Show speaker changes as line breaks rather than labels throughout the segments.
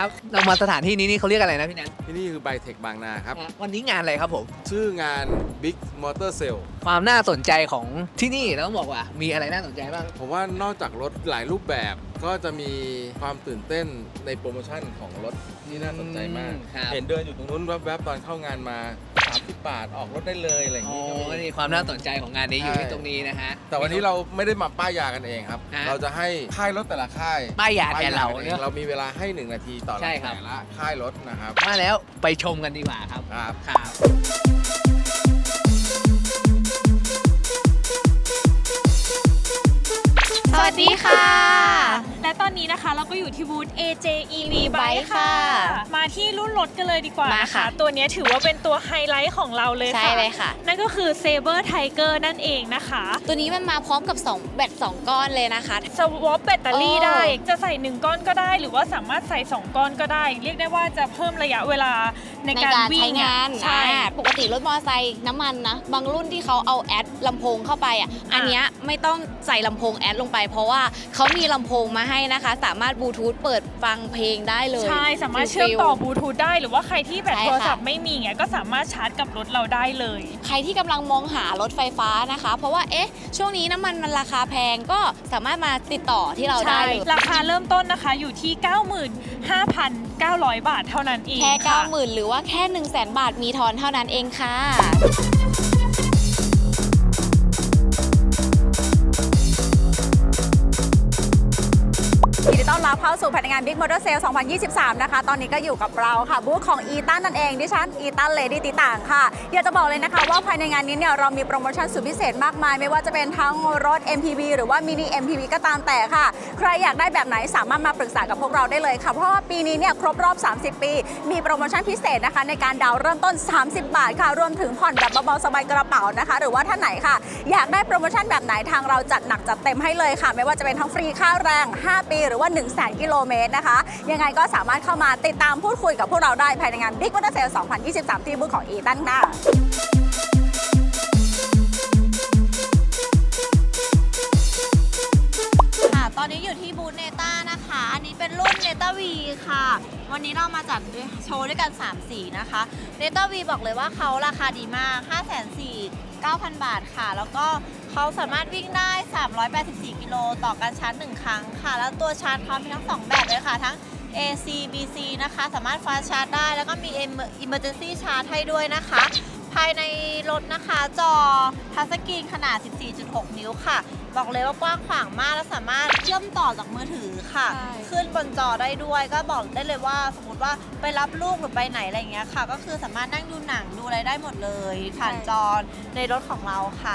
ครับเรามาสถานที่นี้นี่เขาเรียกอะไรนะพี่แนน
ที่นี่คือไบเทคบางนาครับ
วันนี้งานอะไรครับผม
ชื่องาน Big Motor Sale
ความน่าสนใจของที่นี่แล้วต้องบอกว่ามีอะไรน่าสนใจบ้าง
ผมว่านอกจากรถหลายรูปแบบก็จะมีความตื่นเต้นในโปรโมชั่นของรถที่น่าสนใจมาก
ครับ
เห็นเดินอยู่ตรงนู้นแวบๆตอนเข้างานมา30 บาทออกรถได้เลยอะไรอย่าง
อ๋อ
นี้ก็มี
นี่ความน่าสนใจของงานนี้อยู่
ใช่
ที่ตรงนี้นะฮะ
แต่วันนี้เราไม่ได้มาป้ายยากันเองครับ
ฮะ
เราจะให้ค่ายรถแต่ละค่าย
ป้ายยาแทนเรา
ป้ย
เนอะ
เรามีเวลาให้1 นาทีต่อ
ใช่ครับ
แต่ละค่ายรถนะครับ
มาแล้วไปชมกันดีกว่าครับ
ครับ
ครับ
สวัสดีค่ะ
และตอนนี้นะคะเราก็อยู่ที่บูธ AJ EV Bike
Bike
ค่ะ
ค่ะ
มาที่รุ่นรถกันเลยดีกว่า
มา
นะคะ
ค่ะ
ตัวนี้ถือว่าเป็นตัวไฮไลท์ของเราเลย
ใช่
ค่ะ
เลยค่ะ
นั่นก็คือ Saber Tiger นั่นเองนะคะ
ตัวนี้มันมาพร้อมกับ2แบต2 ก้อนเลยนะคะ
สวอปแบตเตอรี่
โอ้
ได้ จะใส่ 1 ก้อนก็ได้ หรือว่าสามารถใส่ 2 ก้อนก็ได้ เรียกได้ว่าจะเพิ่มระยะเวลาในการวิ่
ใช้
ง
งาน
ใช่
ปกติรถมอเตอร์ไซค์น้ำมันนะ บางรุ่นที่เขาเอาแอดลำโพงเข้าไปอันเนี้ยไม่ต้องใส่ลำโพงแอดลงไป เพราะว่าเขามีลำโพงมาให้นะคะ สามารถบลูทูธเปิดฟังเพลงได้เลย
ใช่ สามารถเชื่อมต่อบลูทูธได้ หรือว่าใครที่แบต
ใช่ค่ะ
โทรศัพท์ไม่มีเงี้ยก็สามารถชาร์จกับรถเราได้เลย
ใครที่กำลังมองหารถไฟฟ้านะคะ เพราะว่าช่วงนี้น้ำมันราคาแพงก็สามารถมาติดต่อที่เราได้
ใช่
เลย
ราคาเริ่มต้นนะคะอยู่ที่ 95,900 บาทเท่านั้นเอง
แค่
ค่ะ
90,000หรือว่าแค่ 100,000 บาทมีทอนเท่านั้นเองค่ะ
ยินดีต้อนรับเข้าสู่ภายในงาน Big Motor Sale 2023 นะคะ ตอนนี้ก็อยู่กับเราค่ะบูธของ อีตันนั่นเอง ดิฉัน อีตันเลดี้ติต่างค่ะ อยากจะบอกเลยนะคะว่าภายในงานนี้เนี่ยเรามีโปรโมชั่นสุดพิเศษมากมาย ไม่ว่าจะเป็นทั้งรถ MPV หรือว่ามินิ MPV ก็ตามแต่ค่ะ ใครอยากได้แบบไหนสามารถมาปรึกษากับพวกเราได้เลยค่ะ เพราะว่าปีนี้เนี่ยครบรอบ 30 ปี มีโปรโมชั่นพิเศษนะคะในการดาวน์เริ่มต้น 30 บาทค่ะ รวมถึงผ่อนแบบเบาๆสบายกระเป๋านะคะ หรือว่าท่านไหนค่ะ อยากได้โปรโมชั่นแบบไหนทางเราจัดหนักจัดเต็มให้เลยค่ะ ไม่ว่าจะเป็นทั้งฟรีค่าแรง 5 ปีหรือว่า 100,000 กิโลเมตรนะคะ ยังไงก็สามารถเข้ามาติดตามพูดคุยกับพวกเราได้ภายในงาน Big Motor Sale 2023 ที่บูธของ อีตันค่ะ
ค่ะ ตอนนี้อยู่ที่บูธเนต้านะคะ อันนี้เป็นรุ่นเนต้าวีค่ะ วันนี้เรามาจัดโชว์ด้วยกัน 3 สีนะคะเนต้าวีบอกเลยว่าเขาราคาดีมาก 549,000 บาทค่ะ แล้วก็เขาสามารถวิ่งได้ 384 กิโลต่อการชาร์จ 1 ครั้งค่ะ แล้วตัวชาร์จเขามีทั้ง 2 แบบเลยค่ะ ทั้ง AC BC นะคะ สามารถฟาสต์ชาร์จได้ แล้วก็มี Emergency Charge ให้ด้วยนะคะ ภายในรถนะคะจอทัชสกรีนขนาด 14.6 นิ้วค่ะ บอกเลยว่ากว้างขวางมากและสามารถเชื่อมต่อจากมือถือค่ะ
ใช่
ขึ้นบนจอได้ด้วย ก็บอกได้เลยว่าสมมติว่าไปรับลูกหรือไปไหนอะไรอย่างเงี้ยค่ะ ก็คือสามารถนั่งดูหนังดูอะไรได้หมดเลย ผ่านจอในรถของเราค่ะ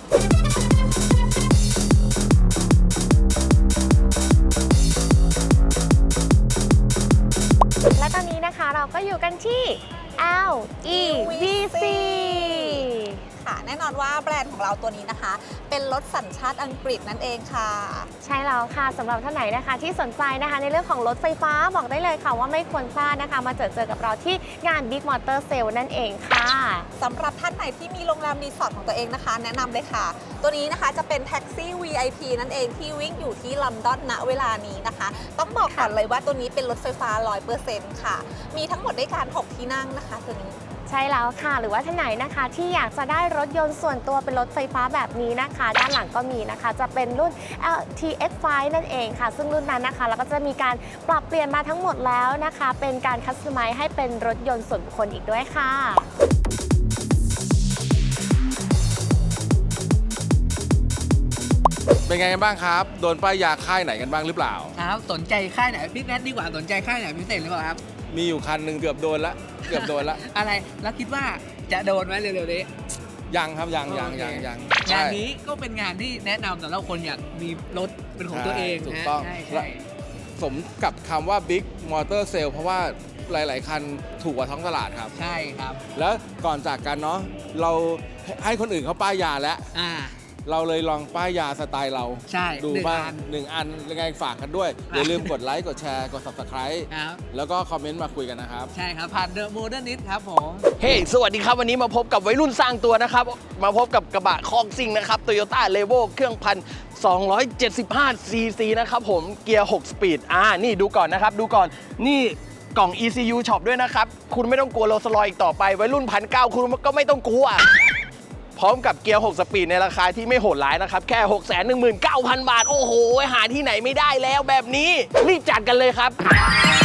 และตอนนี้นะคะเราก็อยู่กันที่ LEVC
ค่ะแน่นอนว่าแบรนด์ของเราตัวนี้นะคะ เป็นรถสัญชาติอังกฤษนั่นเองค่ะ
ใช่แล้วค่ะสำหรับท่านไหนนะคะที่สนใจนะคะในเรื่องของรถไฟฟ้าบอกได้เลยค่ะว่าไม่ควรพลาดนะคะมาเจอกับเราที่งาน Big Motor Sale นั่นเองค่ะ
สำหรับท่านไหนที่มีโรงแรมรีสอร์ทของตัวเองนะคะ แนะนำเลยค่ะ ตัวนี้นะคะจะเป็นแท็กซี่ VIP นั่นเองที่วิ่งอยู่ที่ลอนดอนณเวลานี้นะคะ ต้องบอกก่อนเลยว่าตัวนี้เป็นรถไฟฟ้า 100% ค่ะ มีทั้งหมดด้วยกัน6ที่นั่งนะคะตัวนี้
ใช่แล้วค่ะหรือว่าท่านไหนนะคะที่อยากจะได้รถยนต์ส่วนตัวเป็นรถไฟฟ้าแบบนี้นะคะ ด้านหลังก็มีนะคะจะเป็นรุ่น LTX5 นั่นเองค่ะ ซึ่งรุ่นนั้นนะคะเราก็จะมีการปรับเปลี่ยนมาทั้งหมดแล้วนะคะ เป็นการคัสตอมไมซ์ให้เป็นรถยนต์ส่วนบุคคลอีกด้วยค่ะ
เป็นไงกันบ้างครับ โดนป้ายยาค่ายไหนกันบ้างหรือเปล่า
ครับสนใจค่ายไหนพี่แนทดีกว่าสนใจค่ายไหนพิเศษหรือเปล่าครับ
มีอยู่คันหนึ่งเกือบโดนละเกือบโดนละ
อะไรแล้วคิดว่าจะโดนไหมเร็วๆนี้
ยังครับยัง
โอเค
ยัง
งานนี้ก็เป็นงานที่แนะนำสำหรับคนอยากมีรถเป็นของตัวเอง
ถูก
นะ
ต้อง
ใช่
และ
ใช่
สมกับคำว่า Big Motor Sale เพราะว่าหลาย ๆ คันถูกกว่าท้องตลาดครับ
ใช่ครับ
แล้วก่อนจากกันเนาะเราให้คนอื่นเขาป้ายยาแล้ว
อ่า
เราเลยลองป้ายยาสไตล์เรา
ใช่
ดู
หนึ่ง
บ้าง
อัน
1 อันยังไงฝากกันด้วย อย่าลืมกดไลค์กดแชร์กด Subscribe
ครับ
แล้วก็คอมเมนต์มาคุยกันนะครับ
ใช่ครับผ่านเดอะโมเดิร์นนิดครับผม
เฮ้ สวัสดีครับ วันนี้มาพบกับวัยรุ่นสร้างตัวนะครับ มาพบกับกระบะคอกซิ่งนะครับ Toyota Levo เครื่อง1,275 cc นะครับผม เกียร์ 6 สปีด นี่ดูก่อนนะครับ ดูก่อน นี่กล่อง ECU Shop ด้วยนะครับ คุณไม่ต้องกลัวโรลส์รอยซ์อีกต่อไปวัยรุ่น1,900คุณก็ไม่ต้องกลัว พร้อมกับเกียร์ 6 สปีดในราคาที่ไม่โหดร้ายนะครับ แค่ 619,000 บาท โอ้โห หาที่ไหนไม่ได้แล้วแบบนี้ รีบจัดกันเลยครับ